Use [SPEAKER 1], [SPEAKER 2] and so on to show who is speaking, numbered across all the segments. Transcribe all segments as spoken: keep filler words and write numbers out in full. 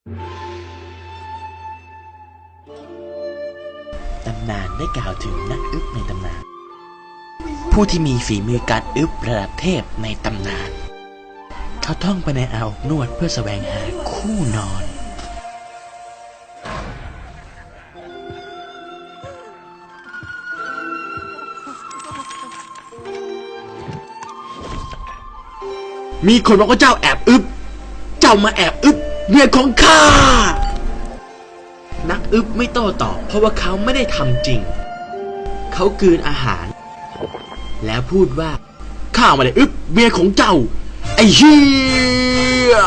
[SPEAKER 1] ตำนานได้กล่าวถึงนักอึ๊บในตำนานผู้ที่มีฝีมือการอึ๊บระดับเทพในตำนานเขาท่องไปในอ่าวนวดเพื่อแสวงหาคู่นอนมีคนบอกว่าเจ้าแอบอึ๊บเจ้ามาแอบอึ๊บเมียของข้านักอึ๊บไม่โต้ตอบเพราะว่าเขาไม่ได้ทำจริงเขากลืนอาหารแล้วพูดว่าข้าไม่ได้อึ๊บเมียของเจ้าไอ้เหี้ย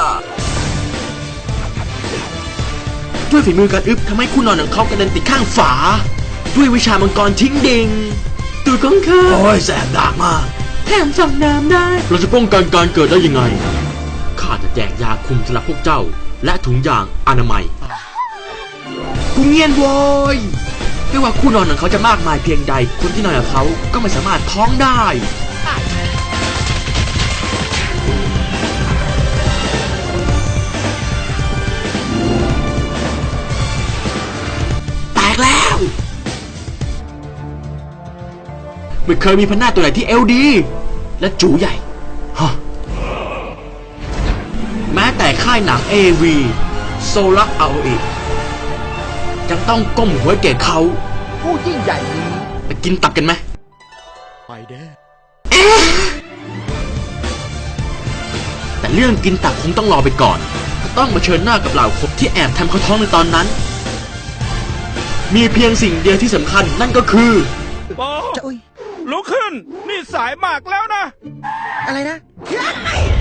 [SPEAKER 1] ด้วยฝีมือการอึ๊บทำให้คู่นอนของเขากระเด็นติดข้างฝาด้วยวิชามังกรทิ้งดิ่งตัวของข้าโอ้ยแสบดากมากแถมสั่งน้ำได้เราจะป้องกันการเกิดได้ยังไงข้าจะแจกยาคุมสำหรับพวกเจ้าและถุงยางอนามัยกูเงียนโวยไม่ว่าคู่นอนของเขาจะมากมายเพียงใดคนที่นอนกับเขาก็ไม่สามารถท้องได้แตกแล้วไม่เคยมีพันหน้าตัวไหนที่เอลดีและจูใหญ่ฮะแม้แต่ค่ายหนัง เอ วี โซลักเอาอีกยังต้องก้มหัวแก่เขา
[SPEAKER 2] ผู้ยิ่งใหญ่นี้
[SPEAKER 1] ไปกินตับกันไหม
[SPEAKER 2] ไปเด้อ
[SPEAKER 1] แต่เรื่องกินตับคงต้องรอไปก่อนต้องมาเชิญหน้ากับเหล่าคนที่แอบทำเขาท้องในตอนนั้นมีเพียงสิ่งเดียวที่สำคัญนั่นก็คือ
[SPEAKER 3] ปอลุกขึ้นนี่สายมากแล้วนะ
[SPEAKER 2] อะไรนะ